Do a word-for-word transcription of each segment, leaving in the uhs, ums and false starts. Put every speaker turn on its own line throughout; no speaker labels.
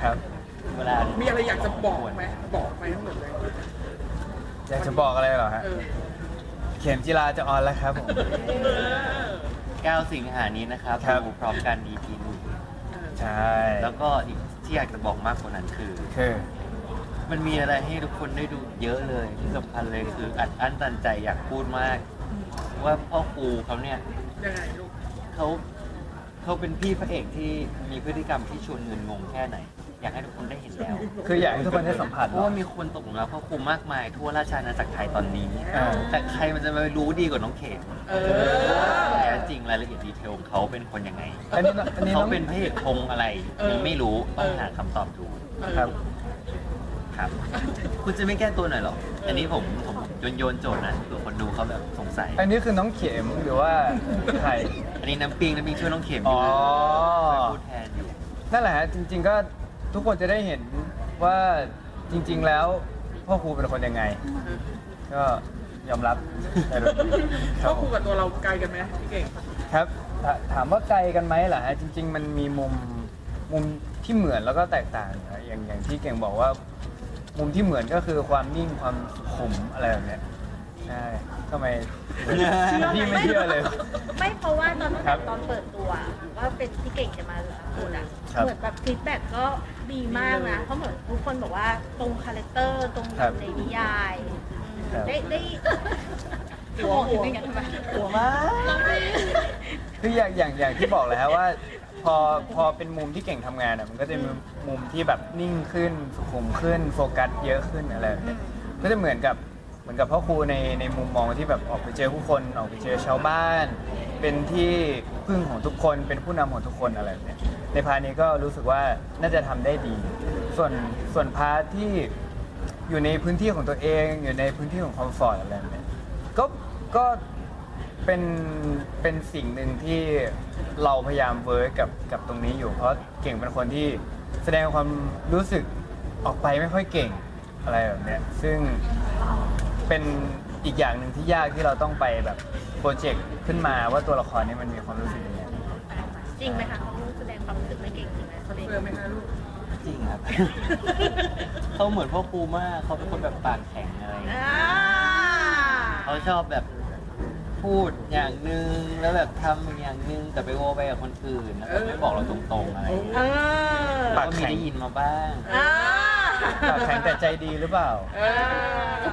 ครับ
เวลา
มีอะไรอยากจะบอกไหมบอกไปทั้งหมดเลย
อยากจะบอกอะไรเหรอฮะ
เออ
เข็มจีราจะออนแล้วครับผม
เก้าสิงหานี้นะครับ
ครับ
ดูพร้อมกัน อี พี หนึ่ง
ใช่
แล้วก็อีกที่อยากจะบอกมากกว่านั้นคือ
คือ
มันมีอะไรให้ทุกคนได้ดูเยอะเลยที่สำคัญเลยคืออัดอั้นตันใจอยากพูดมาก ว่าพ่อครูเขาเนี่ย
ยังไงลูก
เขาเขาเป็นพี่พระเอกที่มีพฤติกรรมที่ชวนเงินงงแค่ไหน อยากให้ทุกคนได้เห็นแล้ว
คืออยากให้ทุกคนได้สัมผัส
เพราะว่ามีคนตกหลุมรักพ่อครูมากมายทั่วราชอาณาจักรไทยตอนนี้
อ่า
แต่ใครมันจะมารู้ดีกว่าน้องเขม
เออ
แท้จริงรายละเอียดดีเทลของเขาเป็นคนยังไง
อันนี้อันนี้
เขา
น้อง
เป็นพระเอกธงอะไรยังไม่รู้ต้องหาคำตอบดู
ครับ
ครับ คุณจะไม่แก้ตัวหน่อยหรอ อันนี้ผมผมโยนโยนโจทย์นะตัวคนดูเขาแบบสงสัย
อันนี้คือน้องเข็มหรือว่าใคร
อันนี้น้ำปิงน้ำปิงช่วยน้องเข็มอ
อ๋
ยู่
อ
เป็นผู้แทนอยู่
นั่นแหละฮะจริง ๆ ก็ทุกคนจะได้เห็นว่าจริง ๆ แล้วพ่อครูเป็นคนยังไง ก็ยอมรับได้เลยค
พ่
รั
อบ ค
ผ
รู
ม
กับตัวเราไกลกันไหมพี่เก่ง
ครับถาถามว่าไกลกันไหมล่ะฮะจริง ๆ มันมีมุมมุมที่เหมือนแล้วก็แตกต่างนะอย่างอย่างที่เก่งบอกว่า มุมที่เหมือนก็คือความนิ่งความสุขุมอะไรแบบเนี้ยใช่ทำไมพี่ไม่เชื่อเลย
ไม่เพราะว่าตอนตั้ง
ครั
แต่
บ
ตอนเปิดตัวว่าเป็นพี่เก่งจะมาพูดอ่ะ
ครับ
เหมือนแบบฟีดแบ็กก็ดีมากนะ เพราะเหมือนทุกคนบอกว่าตรงคาแรคเตอร์ตรง
ครับ
ในนิยายอืม
ครับ
ได้ได้หัวหัวอย่างเงี้ยทำไม
หัวมาก
คืออย่างอย่างอย่างที่บอกเลยฮะว่า พอพอเป็นมุมที่เก่งทำงานอ่ะมันก็จะมีมุมที่แบบนิ่งขึ้นสุขุมขึ้นโฟกัสเยอะขึ้นอะไรแบบเนี้ยก็จะเหมือนกับเหมือนกับพ่อครูในในมุมมองที่แบบออกไปเจอผู้คนออกไปเจอชาวบ้าน เป็นที่พึ่งของทุกคนเป็นผู้นำของทุกคนอะไรแบบเนี้ยในพาร์ทนี้ก็รู้สึกว่าน่าจะทำได้ดี ส่วนส่วนพาร์ทที่อยู่ในพื้นที่ของตัวเองอยู่ในพื้นที่ของคอมฟอร์ตอะไรแบบเนี้ยก็ก็เป็นเป็นสิ่งหนึ่งที่เราพยายามเวิร์กกับกับตรงนี้อยู่ เพราะเก่งเป็นคนที่แสดงความรู้สึกออกไปไม่ค่อยเก่งอะไรแบบเนี้ยซึ่งเป็นอีกอย่างหนึ่งที่ยากที่เราต้องไปแบบโปรเจกต์ขึ้นมาว่าตัวละครนี้มันมีความรู้สึกยังไง
จริงไหมคะเขาแสดงความรู้สึกไม่เก่งจริงไหมเขาเด็ก
เจอไหมคะลูก
จริงครับ เขาเหมือนพ่อครูมากเขาเป็นคนแบบปากแข็งอะไรอย่างเงี้ย
อ่า
เขาชอบแบบพูดอย่างหนึ่งแล้วแบบทำอย่างหนึ่งแต่ไปโวไปกับคนอื่นแล้วก็ไม่บอกเราตรงๆอะไรอย่างเงี้ย
เออ
เราก็มีได้ยินมาบ้าง
อ่า
ปากแข็งแต่ใจดีหรือเปล่า
เออ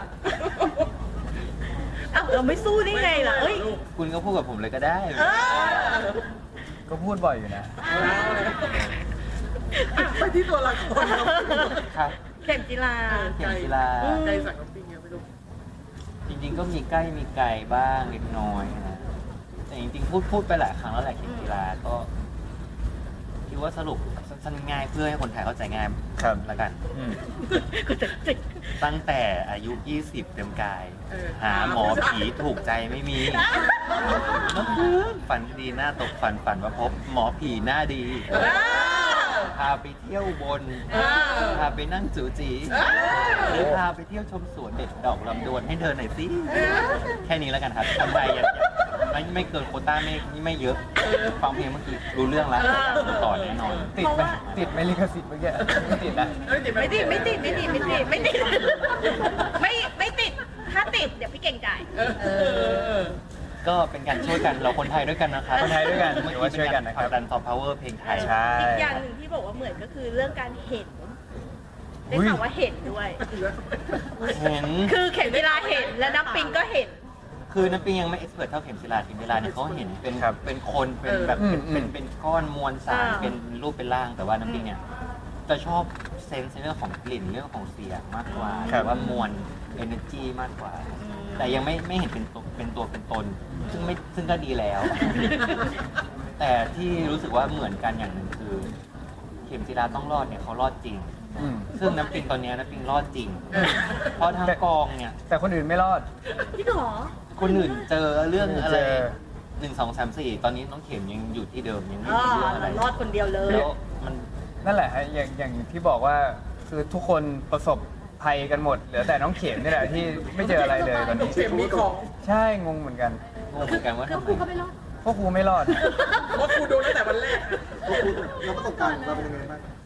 อ้าวเราไม่สู้ได้ไงล่ะเอ้ย
คุณก็พูดกับผมเลยก็ได้
เออ
ก็พูดบ่อยอยู่นะ
อ่ะไปที่ตัวละครเรา
ครับ
เข็มจีรา
เข็มกีฬา
ไกลสักน้ำปิงยังไม่รู้
จริง ๆ ก็มีใกล้มีไกลบ้างเล็กน้อยนะแต่จริงๆพูดพูดไปหลายครั้งแล้วแหละเข็มกีฬาก็คิดว่าสรุปสั้นๆง่ายเพื่อให้คนไทยเข้าใจง่าย
ครับ
ละกัน
อืม
ก็จะจิก
ตั้งแต่อายุ ยี่สิบ เต็มกาย
เออ
หาหมอผีถูกใจไม่มีฝันดีหน้าตกฝันฝันว่าพบหมอผีหน้าดี
เออ
พาไปเที่ยวบน
เออ
พาไปนั่งจูจี
เออ
หรือพาไปเที่ยวชมสวนเด็ดดอกลำดวนให้เธอหน่อยสิ แค่นี้แล้วกันครับคนไทยอย่าอย่าไม่ไม่เกินโควต้าไม่ไม่เยอะ ฟังเพลงเมื่อกี้รู้เรื่องแล้วต่อแน่นอน
ติดไหมติดไหมลิขสิทธิ์เมื่อกี้ไม่ติดนะ
เอ้ยเดี๋ยว
ไม่ติดไม่ติดไม่ติดไม่ติดไม่ติดไม่ไม่ติดถ้าติดเดี๋ยวพี่เก่งจ่าย
เออเออ
ก็เป็นการช่วยกันเราคนไทยด้วยกันนะครับ
คนไทยด้วยกัน
เมื่อ
ถือว่า
กี้
ช่
เป็
วย
น
กั
กาน ร
นะ
ผ
ครั
ลั
บ
กดันซอฟต์พาวเวอร์เพลงไทย
ใช่
อีกอย่างหนึ่งที่บอกว่าเหมือนก็คือเรื่องการเห็นได้ข่าวว่าเห็นด้วย
เห็น
คือเข็มเวลาเห็นและน้ำปิงก็เห็น
คือน้ำปิงยังไม่เอ็กซ์เพรสเท่าเข็มศิลาเข็มศิลาเนี่ยเขาเห็นเป็น
ครับ
เป็นคนเป็นแบบ
เออ
เป็นเป็น
อืม
เป็นก้อนมวลสาร
อ่า
เป็นรูปเป็นร่างแต่ว่าน้ำปิงเนี่ยจะชอบเซนส์ในเรื่องของกลิ่นเรื่องของเสียงมากกว่าห
ครั
รื
บ
อว่ามวลเอเนอร์จีมากกว่า แต่ยังไม่ไม่เห็นเป็นตัวเป็นตัวเป็นตน ซึ่งไม่ซึ่งก็ดีแล้ว แต่ที่รู้สึกว่าเหมือนกันอย่างหนึ่งคือ เข็มศิลาต้องรอดเนี่ยเขารอดจริง
อืม
ซึ่งน้ำปิงตอนเนี้ยน้ำปิงรอดจริง
เออ
เพราะทางกองเนี่ย
แต่คนอื่นไม่รอด
พี่หรอ
คนอื่นเจอเรื่องอะไร
เจอ
หนึ่งสองสามสี่ตอนนี้น้องเข็มยังอยู่ที่เดิมยังไม่
อ๋อ
มีเรื่องอะไร
รอดคนเดียวเลย
แล้วมัน
นั่นแหละฮะอย่างอย่างที่บอกว่าคือทุกคนประสบภัยกันหมด เหลือแต่น้องเข็มนี่แหละที่ไม่เจออะไรเลยตอนนี้
เข็มมีของ
ใช่งงเหมือนกัน
งงเหมือนกันว่า
คือ
ทำ
ครูก็
ไม
ไม่รอด
พวกครูไม่รอด
เพราะครูโดนตั้งแต่วันแรกอะ
แล้วประสบการณ์เราเป็นยังไงบ้าง
ค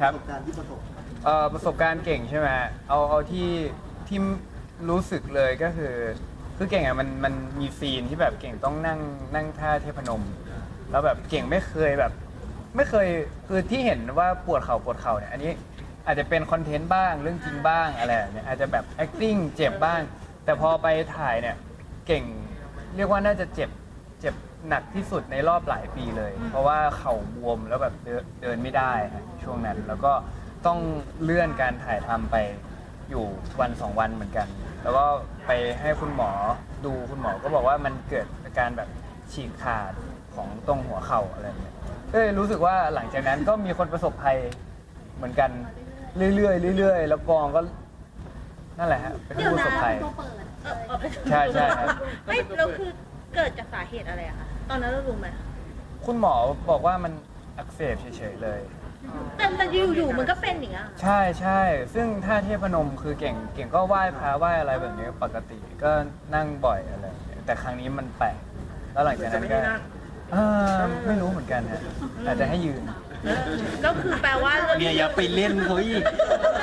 ครับ
ประสบการณ์ที่ประสบ
เอ่อประสบการณ์เก่งใช่ไหมเอาเอาที่ที่รู้สึกเลยก็คือคือเก่งอ่ะมันมันมีซีนที่แบบเก่งต้องนั่งนั่งท่าเทพนม แล้วแบบเก่งไม่เคยแบบ ไม่เคยคือที่เห็นว่าปวดเข่าปวดเข่าเนี่ยอันนี้อาจจะเป็นคอนเทนต์บ้างเรื่องจริงบ้างอะไรแบบเนี่ยอาจจะแบบ acting เจ็บบ้าง แต่พอไปถ่ายเนี่ยเก่งเรียกว่าน่าจะเจ็บเจ็บหนักที่สุดในรอบหลายปีเลย เพราะว่าเข่าบวมแล้วแบบเดินเดินไม่ได้ฮะช่วงนั้นแล้วก็ต้องเลื่อนการถ่ายทำไปอยู่วันสองวันเหมือนกัน แล้วก็ไปให้คุณหมอดูคุณหมอก็บอกว่ามันเกิดอาการแบบฉีกขาดของตรงหัวเข่าอะไรแบบเนี่ยเอ้ยรู้สึกว่าหลังจากนั้นก็มีคนประสบภัยเหมือนกันเรื่อยๆเรื่อยๆแล้วกองก็นั่นแหละฮะเป็นผู้ประสบภัย
เออเออ
ใช่ใช่ครับ
ไม่แล้วคือเกิดจากสาเหตุอะไรอะคะตอนนั้นเรารู้ไหม
คุณหมอบอกว่ามันอักเสบเฉยๆเลย
แต่แต่อยู่ๆมันก็เป็นอย่างเงี้ย
ใช่ใช่ซึ่งท่าเทพนมคือเก่งเก่งก็ไหว้พระไหว้อะไรแบบนี้ปกติก็นั่งบ่อยอะไรแบบนี้แต่ครั้งนี้มันแปลกแล้วหลังจาก
จะ
นั้น
ไม่
ก็
ได้นั่ง
เออไม่รู้เหมือนกันฮะอาจจะให้ยืน
แล้วคือแปลว่าเรื่อง
เนี่ยอย่าไปเล่นเขาอีก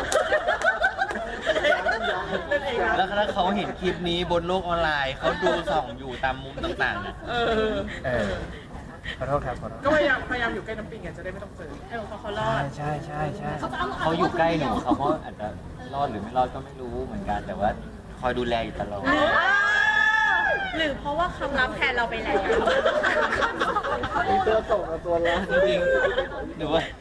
เล่นเองนะ
แล้วถ้าเขาเห็นคลิปนี้บนโลกออนไลน์เขาดูส่องอยู่ตามมุมต่างๆน่ะ
เออ
เออขอโทษครับขอโทษ
ก็พยายามพยายามอยู่ใกล้น้ำปิงไงจะได้ไม่ต้องเจอ
เออเขาเขารอ
ใช่
ด
ใช่ใช่ใช่
เขาอยู่ใกล้หนูเขาก็อาจจะรอดหรือไม่รอดก็ไม่รู้เหมือนกัน แต่ว่าคอยดูแลอยู่ตลอด
หรือเพราะว่าคำรับแทนเราไปแล้ว
มีตัวส่งกับตัวรับ
จริงๆหนูว่า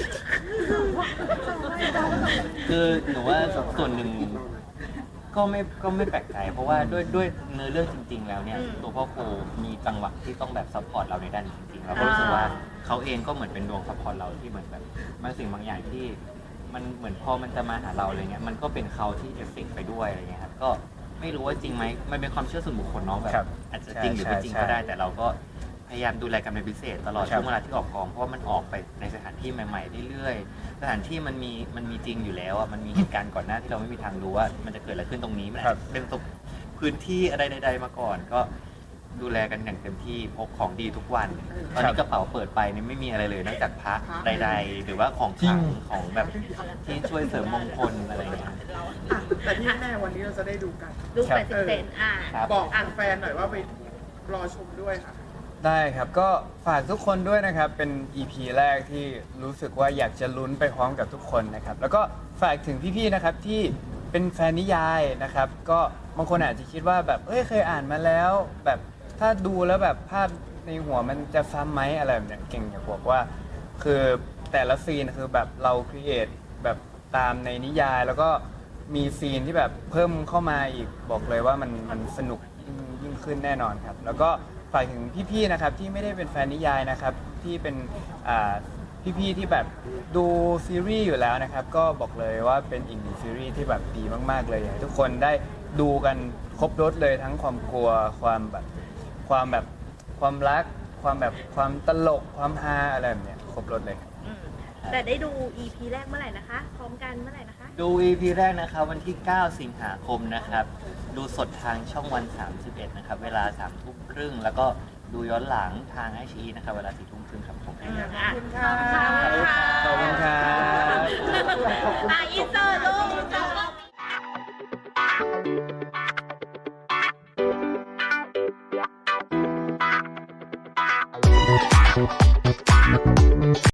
คือหนูว่าส่วนหนึ่งก็ไม่ก็ไม่แปลกใจเพราะว่าด้วยด้วยเนื้อเรื่องจริง ๆ แล้วเนี่ย
อืม
ตัวพ่อครูมีจังหวะที่ต้องแบบซัพพอร์ตเราในด้านนี้จริงๆเราก็รู้สึกว่าเขาเองก็เหมือนเป็นดวงซัพพอร์ตเราที่เหมือนแบบบางสิ่งบางอย่างที่มันเหมือนพอมันจะมาหาเราอะไรเงี้ยมันก็เป็นเขาที่เอฟเฟกต์ไปด้วยอะไรเงี้ยครับก็ไม่รู้ว่าจริงไหมมันเป็นความเชื่อส่วนบุคคลเนาะแบบ
ครับ
อาจจะจริงหรือไม่จริง
ใช่
ก็ได้
ใช่
แต่เราก็พยายามดูแลกันเป็นพิเศษตลอด
ครับ
ช่วงเวลาที่ออกกองเพราะว่ามันออกไปในสถานที่ใหม่ๆเรื่อยๆสถานที่มันมีมันมีจริงอยู่แล้วอ่ะมันมีเหตุการณ์ก่อนหน้าที่เราไม่มีทางรู้ว่ามันจะเกิดอะไรขึ้นตรงนี้มันอาจจะเป็นพื้นที่อะไรใดๆมาก่อน ก็ดูแลกันอย่างเต็มที่พกของดีทุกวันตอนนี้กระเป๋าเปิดไปนี่ไม่มีอะไรเลยนอกจากพระใด ๆ หรือว่าของขลังของแบบที่ช่วยเสริมมงคลอะไรอย่างเงี้ย
อ่ะแต่ที่แน่ๆวันนี้เราจะได้ดูกัน
ดูแปดสิบเซนอ่ะ
ครับ
บอกแฟนๆหน่อยว่าไปรอชมด้วยค่ะ
ได้ครับก็ฝากทุกคนด้วยนะครับเป็น อี พี แรกที่รู้สึกว่าอยากจะลุ้นไปพร้อมกับทุกคนนะครับแล้วก็ฝากถึงพี่ๆนะครับที่เป็นแฟนนิยายนะครับก็บางคนอาจจะคิดว่าแบบเอ้ยเคยอ่านมาแล้ว แบบถ้าดูแล้วแบบภาพในหัวมันจะซ้ำไหมอะไรแบบเนี้ยเก่งอยากบอกว่า คือแต่ละซีนคือแบบเราครีเอทแบบตามในนิยาย แล้วก็มีซีนที่แบบเพิ่มเข้ามาอีกบอกเลยว่ามันมันสนุกยิ่งยิ่งขึ้นแน่นอนครับแล้วก็ฝากถึงพี่ๆนะครับที่ไม่ได้เป็นแฟนนิยายนะครับที่เป็นอ่าพี่ๆที่แบบดูซีรีส์อยู่แล้วนะครับ ก็บอกเลยว่าเป็นอีกหนึ่งซีรีส์ที่แบบดีมากๆเลยอยากให้ทุกคนได้ดูกันครบรถเลยทั้งความกลัวความแบบความแบบความรัก ความแบบความตลกความฮาอะไรแบบเนี้ยครบรถเลยครับ
อืมแต่ได้ดู อี พี แรกเมื่อไหร่นะคะ พร้อมกันเมื่อไหร่นะคะ
ดู อี พี แรกนะครับวันที่ เก้า สิงหาคมนะครับ ดูสดทางช่องวัน สามสิบเอ็ด นะครับ เวลา สามทุ่มครึ่ง แล้วก็ดูย้อนหลังทางไอชีนะครับ เวลา สี่ทุ่มครึ่งครับผม
อืม
ขอบคุณค่ะ
ขอบคุณครับ
อ่ะอินเตอร์ลูก